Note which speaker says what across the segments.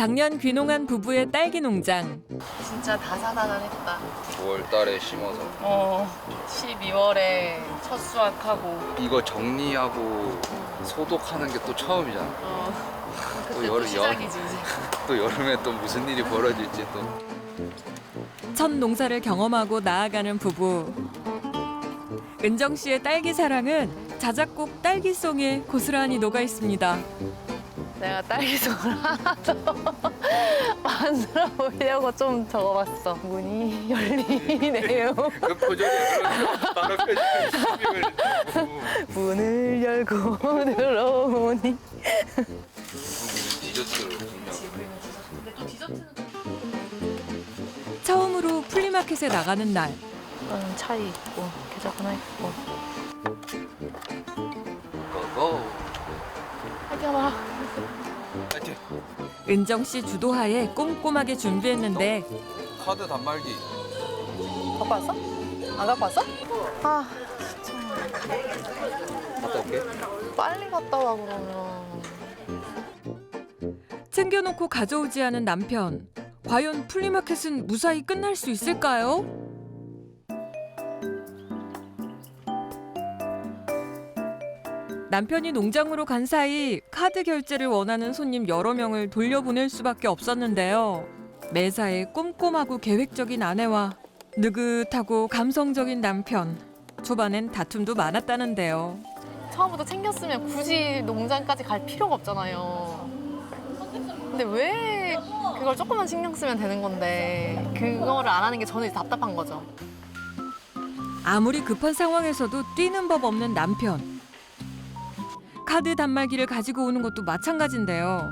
Speaker 1: 작년 귀농한 부부의 딸기 농장.
Speaker 2: 진짜 다사다난했다.
Speaker 3: 9월 달에 심어서
Speaker 2: 12월에 첫 수확하고.
Speaker 3: 이거 정리하고 소독하는 게 또 처음이잖아.
Speaker 2: 그때 또 시작이지 이제.
Speaker 3: 또 여름에 또 무슨 일이 벌어질지 또.
Speaker 1: 첫 농사를 경험하고 나아가는 부부. 은정 씨의 딸기 사랑은 자작곡 딸기송에 고스란히 녹아 있습니다.
Speaker 2: 내가 딸기송을 하나 더 만들어 보려고 좀 적어봤어. 문이 열리네요.
Speaker 3: 그 표정이 바로 표정이
Speaker 2: 문을 열고 들어오니.
Speaker 3: 디저트를 분명.
Speaker 2: 근데 또 디저트는
Speaker 1: 처음으로 플리마켓에 나가는 날.
Speaker 2: 차이 있고 계좌 하나 있고.
Speaker 3: 고고.
Speaker 2: 화이팅 봐.
Speaker 3: 파이팅.
Speaker 1: 은정 씨 주도하에 꼼꼼하게 준비했는데
Speaker 3: 카드 단말기.
Speaker 2: 갖고 왔어? 안 갖고 왔어? 아
Speaker 3: 갔다 올게.
Speaker 2: 빨리 갔다 와 그러면.
Speaker 1: 챙겨놓고 가져오지 않은 남편. 과연 플리마켓은 무사히 끝날 수 있을까요? 남편이 농장으로 간 사이 카드 결제를 원하는 손님 여러 명을 돌려보낼 수밖에 없었는데요. 매사에 꼼꼼하고 계획적인 아내와 느긋하고 감성적인 남편. 초반엔 다툼도 많았다는데요.
Speaker 2: 처음부터 챙겼으면 굳이 농장까지 갈 필요가 없잖아요. 근데 왜 그걸 조금만 신경 쓰면 되는 건데 그거를 안 하는 게 저는 이제 답답한 거죠.
Speaker 1: 아무리 급한 상황에서도 뛰는 법 없는 남편. 카드 단말기를 가지고 오는 것도 마찬가지인데요.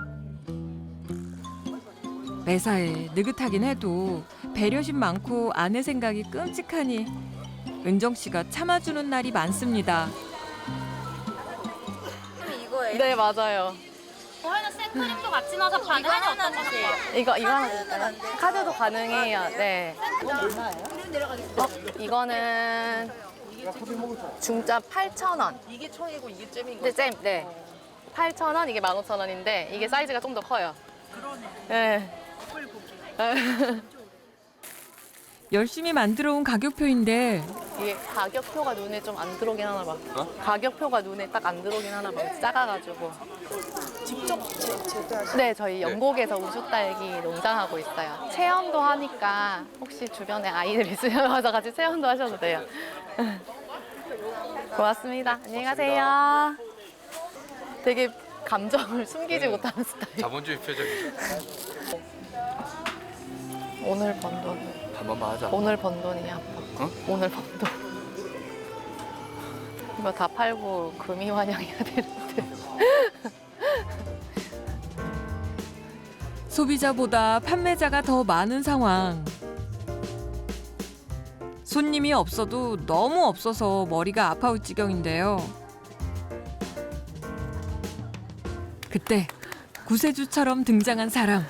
Speaker 1: 매사에 느긋하긴 해도 배려심 많고 아내 생각이 끔찍하니 은정 씨가 참아주는 날이 많습니다.
Speaker 4: 이거예요?
Speaker 2: 네 맞아요.
Speaker 4: 저희는 생크림도 같이 넣어서 가능하지 어떤 거세요?
Speaker 2: 이거 하나 드릴까요? 카드도 가능해요. 네. 이거는 중짜 8,000원.
Speaker 5: 이게 청이고 이게 잼인
Speaker 2: 네, 잼. 네. 8,000원, 이게 15,000원인데 이게 사이즈가 좀 더 커요. 그러네. 네.
Speaker 1: 열심히 만들어온 가격표인데
Speaker 2: 이게 가격표가 눈에 좀 안 들어오긴 하나 봐. 가격표가 눈에 딱 안 들어오긴 하나 봐. 작아가지고.
Speaker 5: 직접 제조하시는
Speaker 2: 네, 저희 영곡에서 우주딸기 농장하고 있어요. 체험도 하니까 혹시 주변에 아이들 있으면 와서 같이 체험도 하셔도 돼요. 고맙습니다. 안녕히 가세요. 되게 감정을 숨기지 못하는 스타일.
Speaker 3: 자본주의 표정이죠.
Speaker 2: 오늘 번 돈.
Speaker 3: 한 번만 하자.
Speaker 2: 오늘 번 돈이야, 아빠.
Speaker 3: 어?
Speaker 2: 오늘 번 돈. 이거 다 팔고 금이 환영해야 되는데.
Speaker 1: 소비자보다 판매자가 더 많은 상황. 손님이 없어도 너무 없어서 머리가 아파올 지경인데요. 그때 구세주처럼 등장한 사람.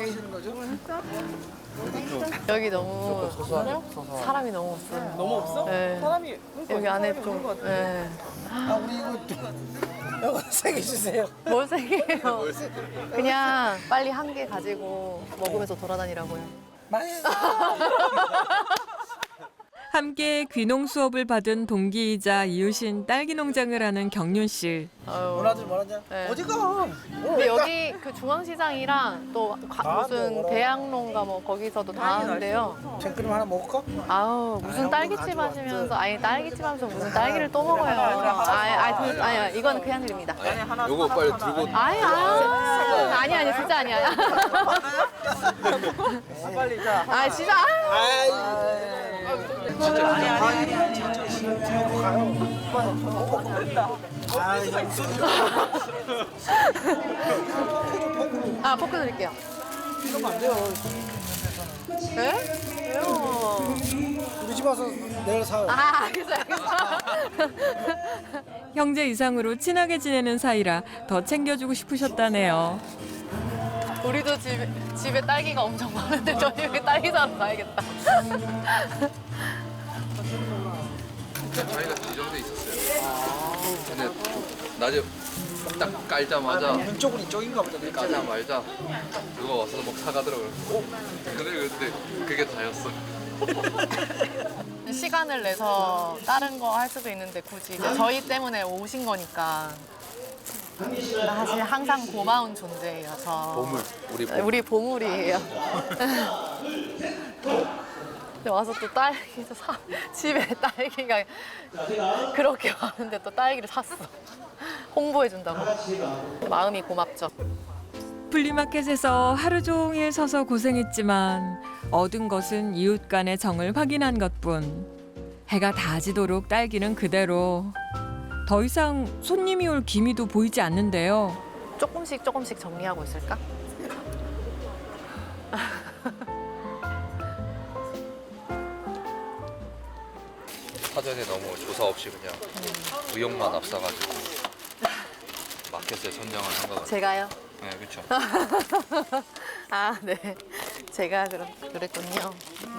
Speaker 2: 여기 너무 사람이 너무 없어요.
Speaker 5: 너무 없어?
Speaker 2: 네.
Speaker 5: 사람이
Speaker 2: 여기 안에 좀. 네.
Speaker 5: 우리 이거 세 개 주세요.
Speaker 2: 뭘 세게요? 그냥 빨리 한 개 가지고 먹으면서 돌아다니라고요.
Speaker 5: 많이
Speaker 1: 함께 귀농 수업을 받은 동기이자 이웃인 딸기 농장을 하는 경륜 씨.
Speaker 5: 뭐라지.
Speaker 2: 네.
Speaker 5: 어디가?
Speaker 2: 근데 여기 그 중앙시장이랑 또 무슨 대학로인가 뭐 거기서도 다 하는데요.
Speaker 5: 생크림 하나 먹을까?
Speaker 2: 아우 무슨 딸기집 하시면서 아니 딸기집 하면서 무슨 딸기를 또 먹어요. 아니 이거는 그냥 드립니다.
Speaker 3: 요거 빨리 들고.
Speaker 2: 아니 진짜 아니야.
Speaker 5: 빨리 자.
Speaker 2: 아 진짜. 아 포크 드릴게요.
Speaker 5: 이러면 안 돼요.
Speaker 2: 네? 왜요?
Speaker 5: 우리 집 와서 내일 사요.
Speaker 2: 알겠어요.
Speaker 1: 형제 이상으로 친하게 지내는 사이라 더 챙겨주고 싶으셨다네요.
Speaker 2: 우리도 집에 딸기가 엄청 많은데 저희 여기 딸기 사러 가야겠다.
Speaker 3: 자기가 지정돼 있었어요. 근데 낮에 딱 깔자마자
Speaker 5: 왼쪽은 이쪽인가 보다. 내 까자.
Speaker 3: 까자마자 누가 와서 막 사가더라고요. 그래 근데 그게 다였어.
Speaker 2: 시간을 내서 다른 거 할 수도 있는데 굳이 이제 저희 때문에 오신 거니까 사실 항상 고마운 존재예요. 저
Speaker 3: 보물, 우리 보물.
Speaker 2: 우리 보물이에요. 근데 와서 또 딸기도 집에 딸기가 그렇게 많은데 또 딸기를 샀어. 홍보해 준다고. 마음이 고맙죠.
Speaker 1: 플리마켓에서 하루 종일 서서 고생했지만 얻은 것은 이웃 간의 정을 확인한 것뿐. 해가 다 지도록 딸기는 그대로. 더 이상 손님이 올 기미도 보이지 않는데요.
Speaker 2: 조금씩 조금씩 정리하고 있을까?
Speaker 3: 사전에 너무 조사 없이 그냥 의욕만 앞서가지고 마켓에 선정을 한 것 같아요.
Speaker 2: 제가요?
Speaker 3: 네, 그렇죠.
Speaker 2: 아, 네. 제가 그랬군요. 네.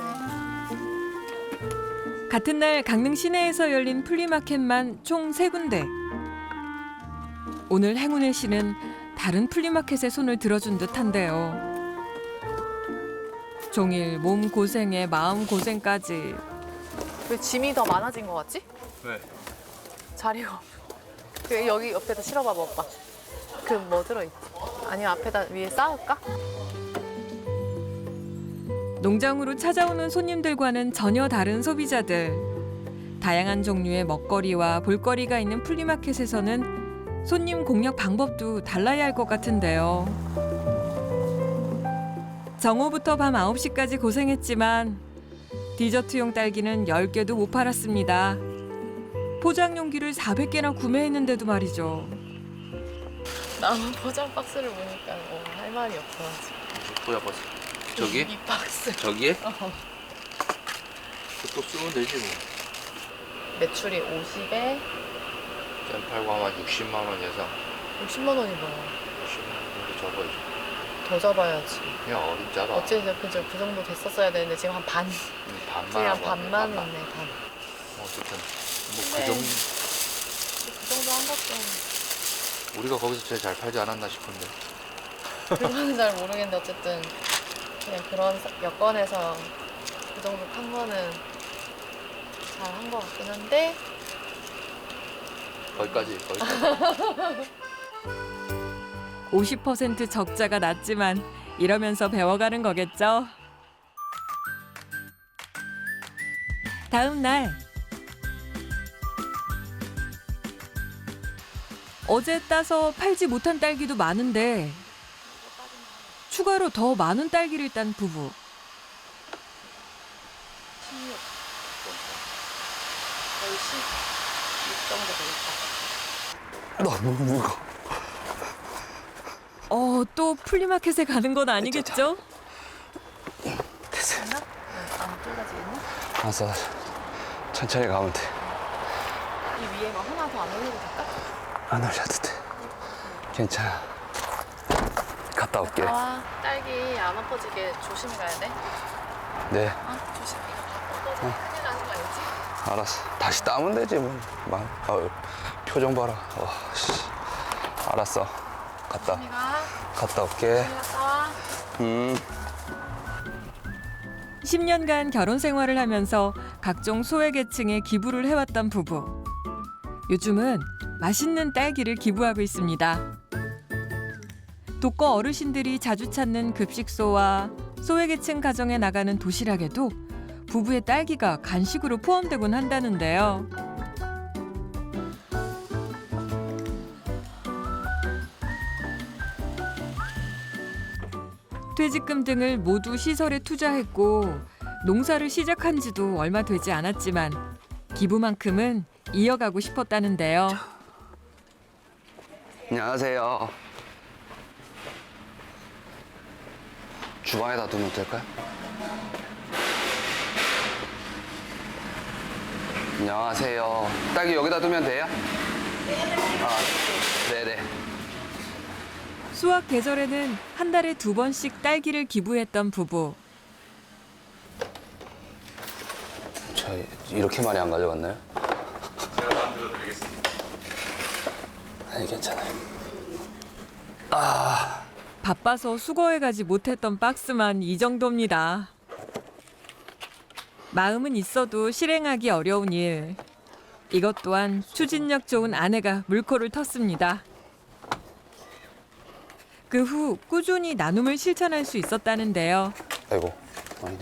Speaker 1: 같은 날 강릉 시내에서 열린 플리마켓만 총 3군데. 오늘 행운의 씨는 다른 플리마켓에 손을 들어준 듯한데요. 종일 몸 고생에 마음 고생까지.
Speaker 2: 왜 짐이 더 많아진 것 같지?
Speaker 3: 네.
Speaker 2: 자리가 없어. 그 여기 옆에다 실어봐봐, 오빠. 그 뭐 들어있지? 아니면 앞에다 위에 쌓을까?
Speaker 1: 농장으로 찾아오는 손님들과는 전혀 다른 소비자들. 다양한 종류의 먹거리와 볼거리가 있는 플리마켓에서는 손님 공략 방법도 달라야 할 것 같은데요. 정오부터 밤 9시까지 고생했지만 디저트용 딸기는 10개도 못 팔았습니다. 포장 용기를 400개나 구매했는데도 말이죠.
Speaker 2: 남은 포장 박스를 보니까 할 말이 없어.
Speaker 3: 보자. 저기?
Speaker 2: 이 박스.
Speaker 3: 저기에? 또 쓰면 되지 뭐.
Speaker 2: 매출이 50에
Speaker 3: 짠 팔고 아마 60만 원 예상.
Speaker 2: 60만 원이 뭐야?
Speaker 3: 60만 원 정도 접어야지.
Speaker 2: 더 잡아야지.
Speaker 3: 그냥 어림잡아.
Speaker 2: 어쨌든 그 정도 됐었어야 되는데 지금 한 반.
Speaker 3: 반만
Speaker 2: 지금 한
Speaker 3: 하고
Speaker 2: 반만
Speaker 3: 반만.
Speaker 2: 했네, 반.
Speaker 3: 어쨌든 뭐
Speaker 2: 네.
Speaker 3: 그 정도
Speaker 2: 그 정도 한 것도
Speaker 3: 우리가 거기서 제일 잘 팔지 않았나 싶은데.
Speaker 2: 그거는 잘 모르겠는데 어쨌든 그냥 그런 여건에서 그 정도 판 거는 잘 한 것 같긴 한데
Speaker 3: 거기까지.
Speaker 1: 50% 적자가 났지만 이러면서 배워가는 거겠죠. 다음 날 어제 따서 팔지 못한 딸기도 많은데 추가로 더 많은 딸기를 딴 부부.
Speaker 2: 거의 16 정도 되겠다.
Speaker 5: 너무 무거워.
Speaker 1: 또 플리마켓에 가는 건 아니겠죠?
Speaker 5: 됐어.
Speaker 2: 안 쫄라지겠나?
Speaker 5: 알았어. 천천히 가면 돼.
Speaker 2: 이 위에 막 하나 더 안 올려도 될까?
Speaker 5: 안 올려도 돼. 괜찮아. 갔다 올게.
Speaker 2: 아, 딸기 안 엎어지게 조심히 가야 돼.
Speaker 5: 네,
Speaker 2: 아, 조심. 이거 엎어져 큰일 나는 거 알지?
Speaker 5: 알았어. 다시 따면 되지 뭐. 표정 봐라. 씨. 알았어.
Speaker 2: 조심히 가.
Speaker 5: 갔다 올게.
Speaker 2: 갔다 와.
Speaker 1: 10년간 결혼 생활을 하면서 각종 소외계층에 기부를 해왔던 부부. 요즘은 맛있는 딸기를 기부하고 있습니다. 독거 어르신들이 자주 찾는 급식소와 소외계층 가정에 나가는 도시락에도 부부의 딸기가 간식으로 포함되곤 한다는데요. 퇴직금 등을 모두 시설에 투자했고 농사를 시작한 지도 얼마 되지 않았지만 기부만큼은 이어가고 싶었다는데요.
Speaker 5: 안녕하세요. 주방에다 두면 될까요? 안녕하세요. 딸기 여기다 두면 돼요? 네네.
Speaker 1: 수확 계절에는 한 달에 2번씩 딸기를 기부했던 부부.
Speaker 5: 저 이렇게 많이 안 가져갔나요?
Speaker 3: 제가 만들어 드리겠습니다.
Speaker 5: 괜찮아요.
Speaker 1: 바빠서 수거해가지 못했던 박스만 이 정도입니다. 마음은 있어도 실행하기 어려운 일. 이것 또한 추진력 좋은 아내가 물꼬를 텄습니다. 그 후 꾸준히 나눔을 실천할 수 있었다는데요.
Speaker 5: 아이고, 아니네.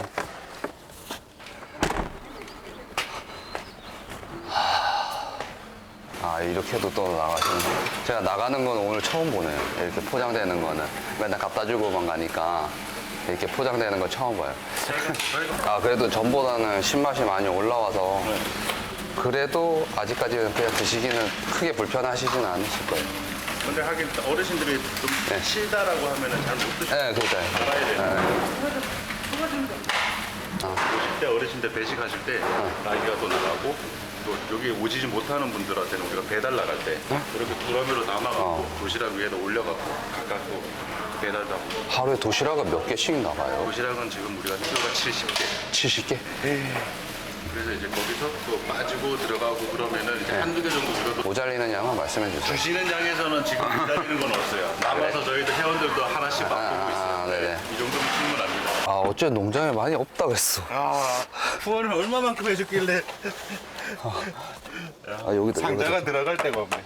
Speaker 5: 아, 이렇게도 또 나가시는. 제가 나가는 건 오늘 처음 보네요. 이렇게 포장되는 거는. 맨날 갖다 주고만 가니까 이렇게 포장되는 걸 처음 봐요. 아, 그래도 전보다는 신맛이 많이 올라와서 그래도 아직까지는 그냥 드시기는 크게 불편하시진 않으실 거예요.
Speaker 6: 근데 하긴 어르신들이 좀
Speaker 5: 네.
Speaker 6: 실다라고 하면은 잘 못 드시고
Speaker 5: 네, 그렇죠.
Speaker 6: 알아야 돼요.
Speaker 5: 아.
Speaker 6: 오실 때 어르신들 배식하실 때 날개가 또 나가고 또 여기 오시지 못하는 분들한테는 우리가 배달 나갈 때 이렇게 두러미로 남아갖고 도시락 위에다 올려갖고 각각 또 배달도 하고.
Speaker 5: 하루에 도시락은 몇 개씩 나가요?
Speaker 6: 도시락은 지금 우리가 키로가 70개.
Speaker 5: 70개?
Speaker 6: 그래서 이제 거기서 또 빠지고 들어가고 그러면은 이제 한두 개 정도 우리가 또
Speaker 5: 모자리는 양은 말씀해 주세요.
Speaker 6: 주시는 양에서는 지금 기다리는 건 없어요. 남아서 저희도 회원들도 하나씩 맛보고 있어요.
Speaker 5: 네네.
Speaker 6: 이 정도면 충분합니다.
Speaker 5: 아, 어째 농장에 많이 없다 그랬어.
Speaker 6: 아, 후원을 얼마만큼 해줬길래
Speaker 5: 아, 여기도.
Speaker 6: 상자가
Speaker 5: 여기도.
Speaker 6: 들어갈 데가 없네.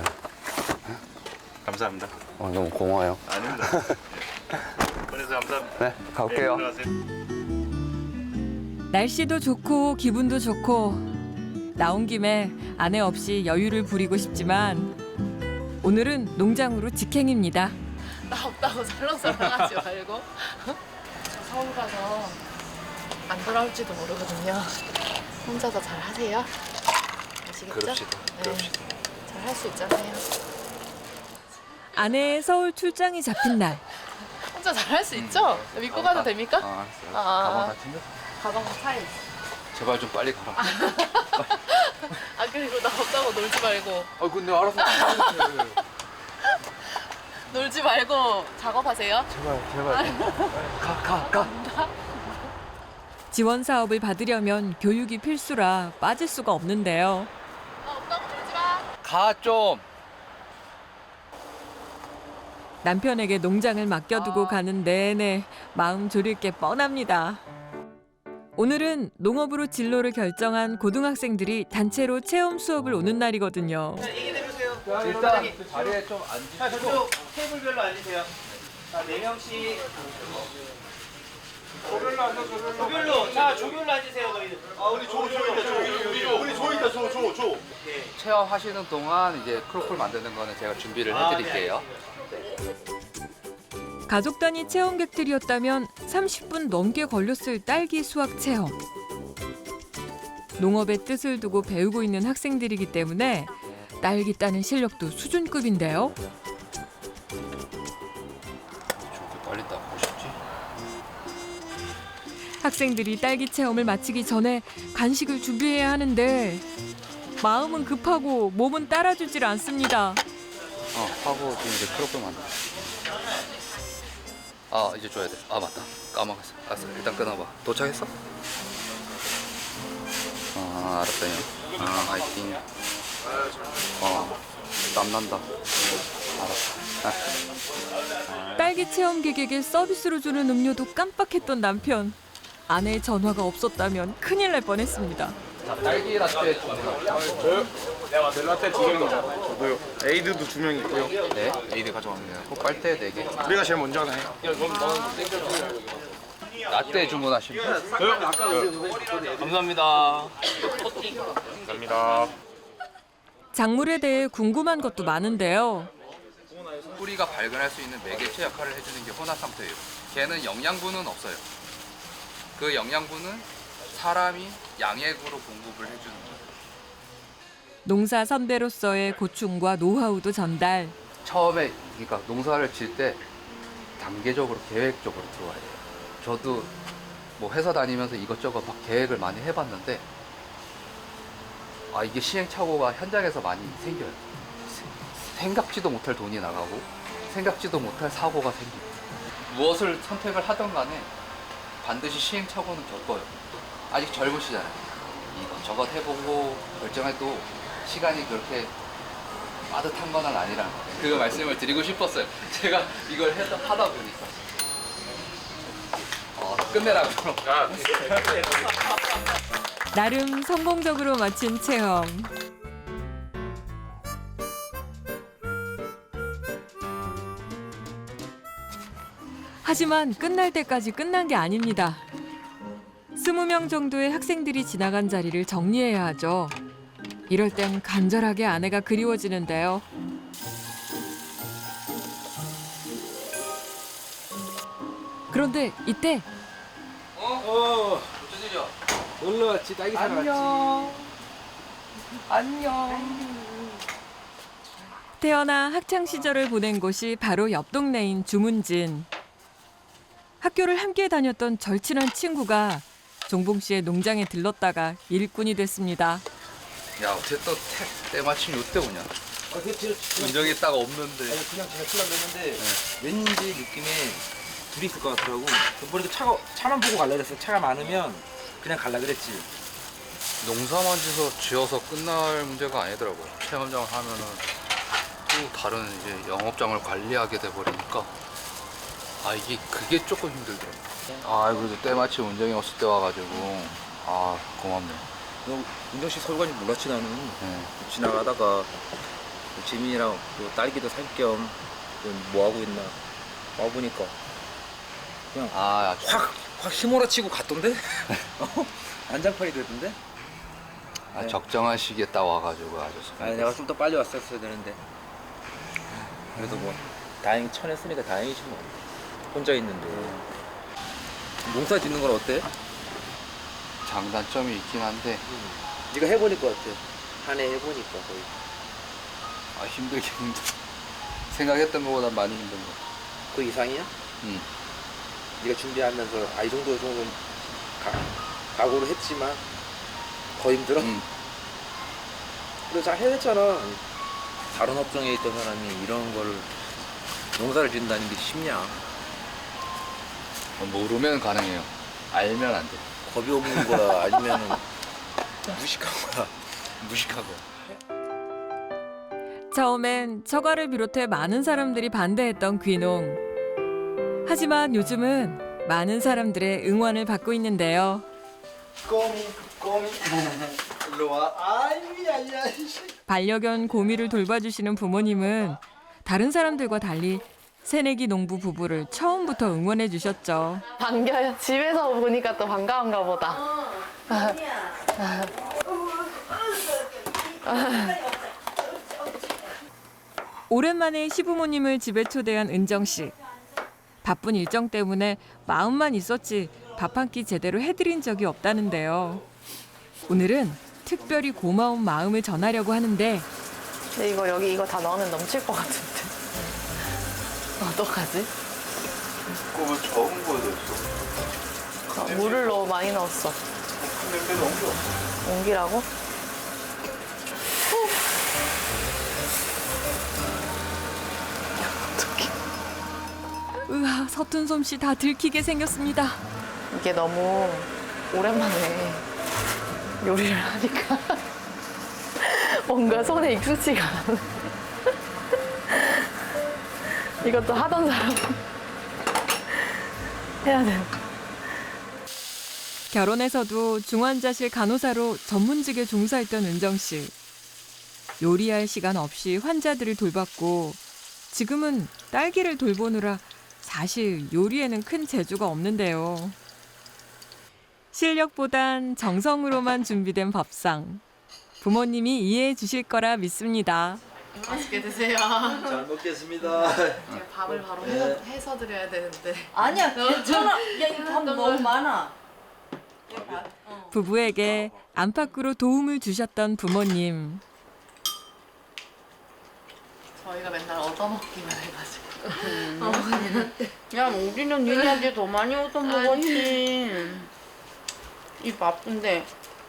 Speaker 6: 감사합니다.
Speaker 5: 너무 고마워요.
Speaker 6: 아닙니다. 그래서 감사합니다.
Speaker 5: 네, 가볼게요.
Speaker 6: 네, 들어가세요.
Speaker 1: 날씨도 좋고 기분도 좋고 나온 김에 아내 없이 여유를 부리고 싶지만 오늘은 농장으로 직행입니다.
Speaker 2: 나 없다고 설렁설렁하지 말고. 저 서울 가서 안 돌아올지도 모르거든요. 혼자서 잘 하세요. 아시겠죠?
Speaker 3: 그럽시다. 그럽시다.
Speaker 2: 잘 할 수 있잖아요.
Speaker 1: 아내의 서울 출장이 잡힌 날
Speaker 2: 혼자 잘 할 수 있죠? 믿고 가도 됩니까?
Speaker 3: 알았어요.
Speaker 2: 아.
Speaker 3: 가방 다 챙겼어.
Speaker 2: 가방 차에 있어.
Speaker 3: 제발 좀 빨리 가라.
Speaker 2: 아 그리고 나 없다고 놀지 말고
Speaker 3: 아 근데 알아서.
Speaker 2: 놀지 말고 작업하세요.
Speaker 3: 가.
Speaker 1: 지원 사업을 받으려면 교육이 필수라 빠질 수가 없는데요.
Speaker 2: 나 없다고 놀지 마.
Speaker 3: 가 좀.
Speaker 1: 남편에게 농장을 맡겨두고 가는 내내 마음 졸일 게 뻔합니다. 오늘은 농업으로 진로를 결정한 고등학생들이 단체로 체험 수업을 오는 날이거든요.
Speaker 3: 일단 자리에 좀 앉으시고.
Speaker 7: 자, 저쪽 테이블별로 앉으세요. 자, 4명씩. 조별로 앉아, 조별로. 자, 조별로 앉으세요, 너희들. 아, 우리 조 있다, 조.
Speaker 3: 체험하시는 동안 이제 크로플 만드는 거는 제가 준비를 해드릴게요.
Speaker 1: 가족 단위 체험객들이었다면 30분 넘게 걸렸을 딸기 수확 체험. 농업의 뜻을 두고 배우고 있는 학생들이기 때문에 딸기 따는 실력도 수준급인데요.
Speaker 3: 저렇게 빨리 따고 싶지?
Speaker 1: 학생들이 딸기 체험을 마치기 전에 간식을 준비해야 하는데 마음은 급하고 몸은 따라주질 않습니다.
Speaker 3: 하고 지금 이제 크로플 만들어. 아, 이제 줘야 돼. 아, 맞다. 까먹었어. 알았어. 일단 끊어봐. 도착했어? 알았어요. 화이팅. 땀난다. 알았어.
Speaker 1: 딸기 체험객에게 서비스로 주는 음료도 깜빡했던 남편. 아내의 전화가 없었다면 큰일 날 뻔했습니다.
Speaker 3: 자, 딸기 라떼 주세요.
Speaker 6: 벨라떼 2개입니다. 저도요. 에이드도 2명 있고요.
Speaker 3: 네, 에이드 가져왔네요. 빨대 4개.
Speaker 6: 우리가 제일 먼저 하나요?
Speaker 3: 라떼 주문하시면.
Speaker 7: 감사합니다.
Speaker 6: 감사합니다.
Speaker 1: 작물에 대해 궁금한 것도 많은데요.
Speaker 3: 뿌리가 발근할 수 있는 매개체 역할을 해주는 게 혼합상토예요. 걔는 영양분은 없어요. 그 영양분은 사람이 양액으로 공급을 해주는 거예요.
Speaker 1: 농사 선배로서의 고충과 노하우도 전달.
Speaker 3: 처음에 그러니까 농사를 질 때 단계적으로 계획적으로 들어와야 돼요. 저도 뭐 회사 다니면서 이것저것 막 계획을 많이 해봤는데 이게 시행착오가 현장에서 많이 생겨요. 생각지도 못할 돈이 나가고 생각지도 못할 사고가 생기고 무엇을 선택을 하던 간에 반드시 시행착오는 겪어요. 아직 젊으시잖아요. 이것저것 해보고 결정해도 시간이 그렇게 빠듯한 건 아니라 그 말씀을 드리고 싶었어요. 제가 이걸 하다 보니까 끝내라고.
Speaker 1: 나름 성공적으로 마친 체험. 하지만 끝날 때까지 끝난 게 아닙니다. 20명 정도의 학생들이 지나간 자리를 정리해야 하죠. 이럴 땐 간절하게 아내가 그리워지는데요. 그런데 이때
Speaker 3: 무슨 일이야?
Speaker 7: 놀러 왔지, 딸기 사러 왔지.
Speaker 3: 안녕.
Speaker 1: 태어나 학창 시절을 보낸 곳이 바로 옆 동네인 주문진. 학교를 함께 다녔던 절친한 친구가 종봉 씨의 농장에 들렀다가 일꾼이 됐습니다.
Speaker 3: 야, 어떻게 또 때마침 요때 오냐?
Speaker 7: 그치.
Speaker 3: 운정이 딱 없는데.
Speaker 7: 아니, 그냥 제가 쓰려고 했는데 왠지 느낌에 둘이 있을 것 같더라고. 보니까 차만 보고 갈라 그랬어. 차가 많으면 그냥 갈라 그랬지.
Speaker 3: 농사만 지어서 끝날 문제가 아니더라고요. 체험장을 하면은 또 다른 이제 영업장을 관리하게 돼 버리니까 이게 그게 조금 힘들더라고요. 그래도 때마침 운정이 없을 때 와가지고 고맙네.
Speaker 7: 너 운정 씨 서울 간지 몰랐지 나는.
Speaker 3: 네.
Speaker 7: 지나가다가 지민이랑 또 딸기도 살 겸 뭐 하고 있나 와 보니까 그냥 확 휘몰아치고 갔던데? 안장판이 되던데? 네.
Speaker 3: 적정한 시기에 딱 와가지고 아주.
Speaker 7: 아니 내가 좀 더 빨리 왔었어야 되는데 그래도 뭐 다행히 쳐냈으니까 다행이지 뭐. 혼자 있는데 농사 짓는 건 어때?
Speaker 3: 장단점이 있긴 한데
Speaker 7: 네가 해보니까 어때? 한 해 해보니까 거의
Speaker 3: 힘들긴 힘들어. 생각했던 것보다 많이 힘든 거.
Speaker 7: 그 이상이야?
Speaker 3: 응.
Speaker 7: 네가 준비하면서 이 정도는 각오를 했지만 더 힘들어?
Speaker 3: 응.
Speaker 7: 그래 잘 해냈잖아. 다른 업종에 있던 사람이 이런 거를 농사를 짓는다는 게 쉽냐?
Speaker 3: 모르면 가능해요. 알면 안 돼.
Speaker 7: 겁이 없는 거야 아니면은 무식한 거야?
Speaker 3: 무식하고.
Speaker 1: 처음엔 처가를 비롯해 많은 사람들이 반대했던 귀농. 하지만 요즘은 많은 사람들의 응원을 받고 있는데요.
Speaker 7: 꼬미 일로 와. 아이야.
Speaker 1: 반려견 고미를 돌봐주시는 부모님은 다른 사람들과 달리 새내기 농부 부부를 처음부터 응원해 주셨죠.
Speaker 2: 반겨요. 집에서 보니까 또 반가운가 보다.
Speaker 1: 오랜만에 시부모님을 집에 초대한 은정 씨. 바쁜 일정 때문에 마음만 있었지 밥 한 끼 제대로 해드린 적이 없다는데요. 오늘은 특별히 고마운 마음을 전하려고 하는데
Speaker 2: 근데 이거 다 넣으면 넘칠 것 같은데. 어떡하지?
Speaker 6: 그거 적은 거였어.
Speaker 2: 물을 너무 많이 넣었어.
Speaker 6: 냄새는 옮겨.
Speaker 2: 옮기라고?
Speaker 1: 으아, 서툰 솜씨 다 들키게 생겼습니다.
Speaker 2: 이게 너무 오랜만에 요리를 하니까 뭔가 손에 익숙지가 않아. 이것도 하던 사람 해야 돼.
Speaker 1: 결혼해서도 중환자실 간호사로 전문직에 종사했던 은정 씨. 요리할 시간 없이 환자들을 돌봤고 지금은 딸기를 돌보느라 사실 요리에는 큰 재주가 없는데요. 실력보단 정성으로만 준비된 밥상. 부모님이 이해해 주실 거라 믿습니다.
Speaker 2: 맛있게 드세요.
Speaker 7: 잘 먹겠습니다.
Speaker 2: 제가 밥을 바로 해서 드려야 되는데.
Speaker 8: 아니야 괜찮아. 야 이거 밥 너무 많아.
Speaker 1: 부부에게 안팎으로 도움을 주셨던 부모님.
Speaker 2: 저희가 맨날 얻어먹기만 해가지고.
Speaker 8: 야 우리는 니네한테 더 많이 얻어 먹었지. 이 바쁜데.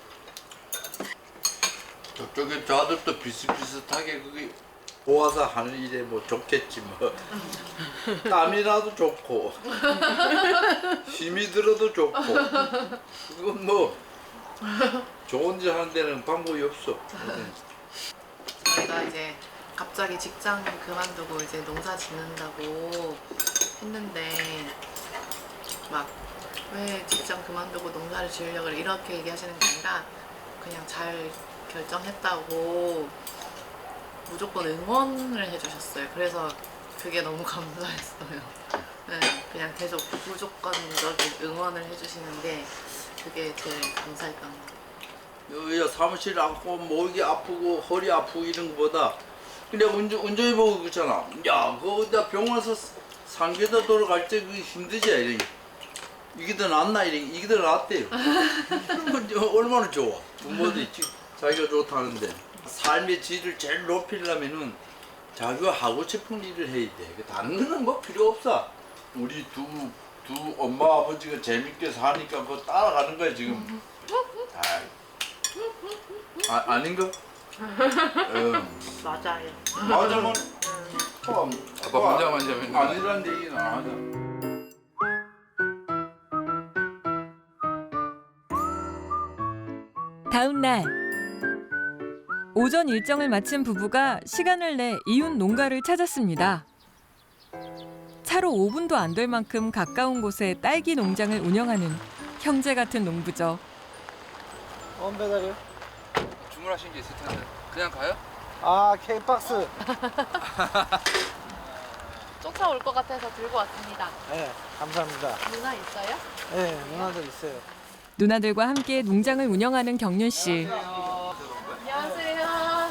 Speaker 9: 저쪽에 저 아들도 비슷비슷하게 그게 모아서 하는 일에 뭐 좋겠지 뭐. 땀이라도 좋고 힘이 들어도 좋고 그건 뭐 좋은 짓 하는 데는 방법이 없어.
Speaker 2: 저희가 이제 갑자기 직장 그만두고 이제 농사 짓는다고 했는데 막 왜 직장 그만두고 농사를 지으려고 그래 이렇게 얘기하시는 게 아니라 그냥 잘 결정했다고 무조건 응원을 해주셨어요. 그래서 그게 너무 감사했어요. 네, 그냥 계속 무조건적인 응원을 해주시는데 그게 제일 감사했던 것 같아요.
Speaker 9: 여기가 사무실 앉고 목이 아프고 허리 아프고 이런 거보다 그냥 운전해보고 그렇잖아. 야 그거 나 병원에서 상계도 돌아갈 때 그게 힘들지 이래. 이게 더 낫나 이래. 이게 더 낫대요. 그러면 얼마나 좋아. 부모들이 자기가 좋다는데 삶의 질을 제일 높이려면은 자기가 하고 싶은 일을 해야 돼. 다른 거는 뭐 필요 없어. 우리 두 엄마 아버지가 재밌게 사니까 그거 따라가는 거야 지금. 아닌가?
Speaker 8: 맞아요.
Speaker 9: 맞으면
Speaker 3: 아빠 혼자만 재밌는 거야.
Speaker 9: 아니란 얘기는 안 하자.
Speaker 1: 다음 날 오전 일정을 마친 부부가 시간을 내 이웃 농가를 찾았습니다. 차로 5분도 안 될 만큼 가까운 곳에 딸기 농장을 운영하는 형제 같은 농부죠.
Speaker 10: 뭔 배달이요?
Speaker 3: 주문하신 게 있을 텐데 그냥 가요?
Speaker 10: 아, K박스.
Speaker 2: 쫓아올 것 같아서 들고 왔습니다.
Speaker 10: 네, 감사합니다.
Speaker 2: 누나 있어요?
Speaker 10: 네, 누나들 있어요.
Speaker 1: 누나들과 함께 농장을 운영하는 경륜 씨.
Speaker 2: 안녕하세요.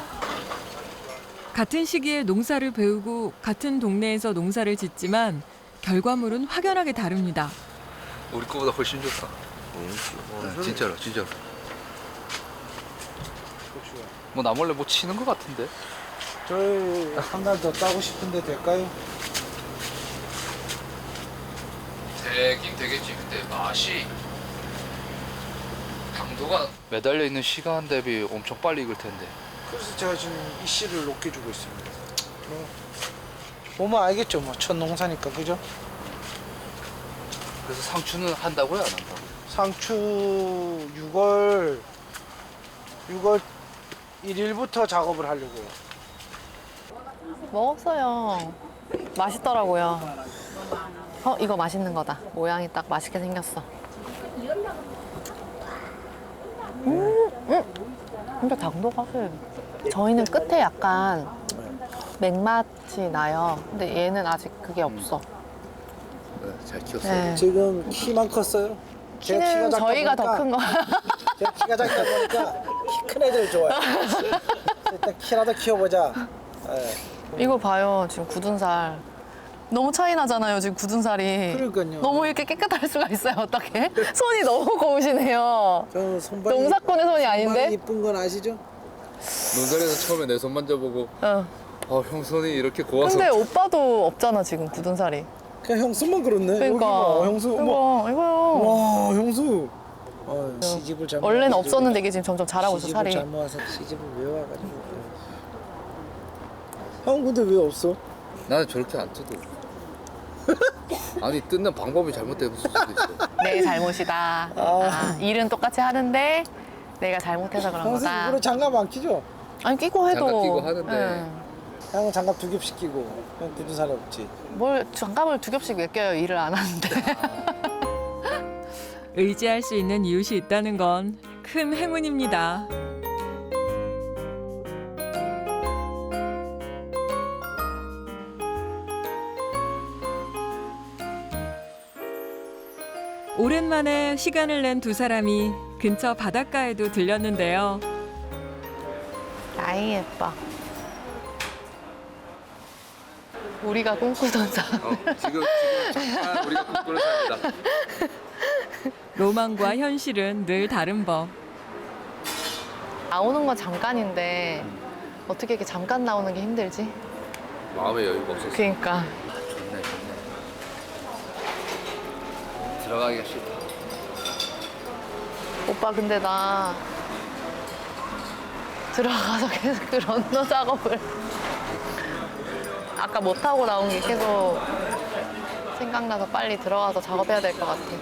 Speaker 1: 같은 시기에 농사를 배우고 같은 동네에서 농사를 짓지만 결과물은 확연하게 다릅니다.
Speaker 3: 우리 거보다 훨씬 좋다. 진짜로. 뭐 나 몰래 뭐 치는 것 같은데?
Speaker 10: 저희 한 달 더 따고 싶은데 될까요?
Speaker 3: 되긴 되겠지. 근데 맛이 당도가 매달려 있는 시간 대비 엄청 빨리 익을 텐데.
Speaker 10: 그래서 제가 지금 이 씨를 높게 주고 있습니다. 보면 알겠죠, 뭐 첫 농사니까 그죠?
Speaker 3: 그래서 상추는 한다고요, 안 한다고요?
Speaker 10: 상추 6월 1일부터 작업을 하려고요.
Speaker 2: 먹었어요. 맛있더라고요. 이거 맛있는 거다. 모양이 딱 맛있게 생겼어. 근데 당도가 저희는 끝에 약간 맥맛이 나요. 근데 얘는 아직 그게 없어.
Speaker 3: 네, 잘 키웠어요.
Speaker 2: 네.
Speaker 10: 지금 키만 컸어요? 제가
Speaker 2: 키는
Speaker 10: 작다
Speaker 2: 저희가 더
Speaker 10: 보니까-
Speaker 2: 큰 거.
Speaker 10: 제가 키가 작다 보니까 키 큰 애들 좋아요. 일단 키라도 키워보자. 네.
Speaker 2: 이거 봐요. 지금 굳은 살. 너무 차이 나잖아요. 지금 굳은 살이.
Speaker 10: 그러니까요.
Speaker 2: 너무 이렇게 깨끗할 수가 있어요. 어떻게? 손이 너무 고우시네요.
Speaker 10: 저는 손발이
Speaker 2: 농사꾼의 손이 아닌데?
Speaker 10: 이쁜 건 아시죠?
Speaker 3: 논산에서 처음에 내 손 만져보고
Speaker 2: 응.
Speaker 3: 형 손이 이렇게 고와서
Speaker 2: 근데 오빠도 없잖아 지금 굳은 살이.
Speaker 10: 그냥 형수만 그렇네. 여기
Speaker 2: 그러니까.
Speaker 10: 봐, 형수. 어머.
Speaker 2: 이거요.
Speaker 10: 와, 형수. 시집을 잘못
Speaker 2: 원래는
Speaker 10: 와가지고.
Speaker 2: 없었는데 이게 지금 점점 자라고 있어
Speaker 10: 시집을
Speaker 2: 살이.
Speaker 10: 잘못 와서 시집을 왜 와가지고. 형 근데 왜 없어?
Speaker 3: 나는 저렇게 안 뜯어. 아니 뜯는 방법이 잘못될 수도 있어.
Speaker 2: 내 잘못이다. 일은 똑같이 하는데 내가 잘못해서 그런
Speaker 10: 형수
Speaker 2: 거다.
Speaker 10: 일부러 장갑 안 끼죠?
Speaker 2: 아니 끼고 해도.
Speaker 3: 장갑 끼고 하는데.
Speaker 2: 응.
Speaker 10: 형은 장갑 2겹씩 끼고 형 굳은 살이 없지.
Speaker 2: 뭘 장갑을 2겹씩 왜 껴요? 일을 안 하는데.
Speaker 1: 의지할 수 있는 이웃이 있다는 건 큰 행운입니다. 오랜만에 시간을 낸 두 사람이 근처 바닷가에도 들렸는데요.
Speaker 2: 아이 예뻐. 우리가 꿈꾸던 사.
Speaker 3: 지금 잠깐 우리가 꿈꾸는 삶이다.
Speaker 1: 로망과 현실은 늘 다른 법.
Speaker 2: 나오는 건 잠깐인데 어떻게 이렇게 잠깐 나오는 게 힘들지?
Speaker 3: 마음의 여유가 없었어.
Speaker 2: 그러니까.
Speaker 3: 좋네. 들어가기가 싫다.
Speaker 2: 오빠 근데 나 들어가서 계속 그 런너 작업을 아까 못하고 나온 게 계속 생각나서 빨리 들어가서 작업해야 될 것 같아.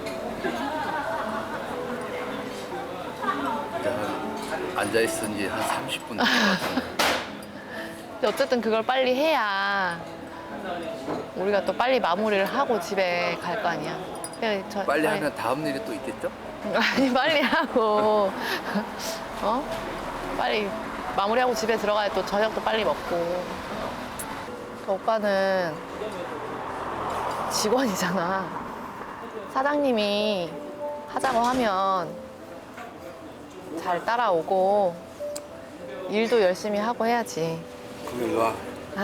Speaker 3: 앉아 있은 지 한 30분 된 것 같은데.
Speaker 2: 근데 어쨌든 그걸 빨리 해야 우리가 또 빨리 마무리를 하고 집에 갈 거 아니야.
Speaker 3: 빨리 하면 다음 일이 또 있겠죠?
Speaker 2: 아니 빨리 하고 빨리 마무리하고 집에 들어가야 또 저녁도 빨리 먹고. 오빠는 직원이잖아. 사장님이 하자고 하면 잘 따라오고 일도 열심히 하고 해야지.
Speaker 3: 그럼 일로 와.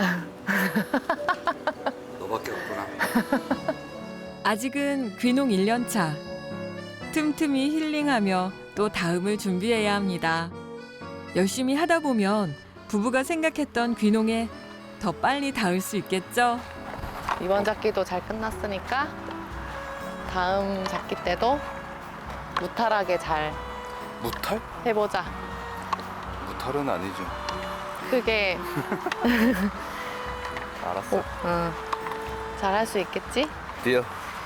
Speaker 3: 너밖에 없구나.
Speaker 1: 아직은 귀농 1년 차. 틈틈이 힐링하며 또 다음을 준비해야 합니다. 열심히 하다 보면 부부가 생각했던 귀농에 더 빨리 닿을 수 있겠죠?
Speaker 2: 이번 작기도 잘 끝났으니까 다음 작기 때도 무탈하게 잘
Speaker 3: 무탈?
Speaker 2: 해보자.
Speaker 3: 무탈은 아니죠.
Speaker 2: 그게
Speaker 3: 알았어.
Speaker 2: 잘 할 수 있겠지?
Speaker 3: 뛰어.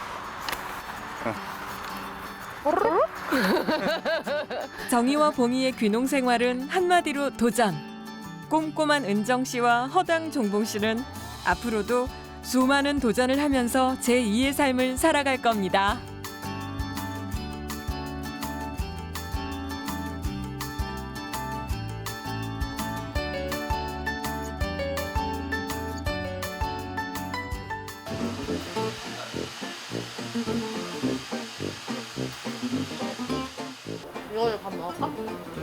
Speaker 1: 정희와 봉희의 귀농 생활은 한마디로 도전. 꼼꼼한 은정 씨와 허당 종봉 씨는 앞으로도 수많은 도전을 하면서 제2의 삶을 살아갈 겁니다.
Speaker 2: 이거 밥 먹을까?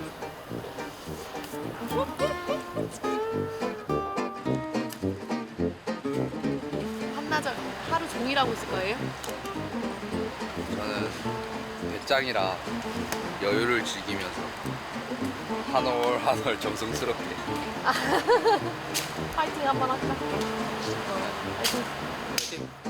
Speaker 2: 한나절 하루 종일 하고 있을 거예요?
Speaker 3: 저는 배짱이라 여유를 즐기면서 한 올 한 올 정성스럽게.
Speaker 2: 파이팅 한번 할까? 파이팅.
Speaker 3: 화이팅!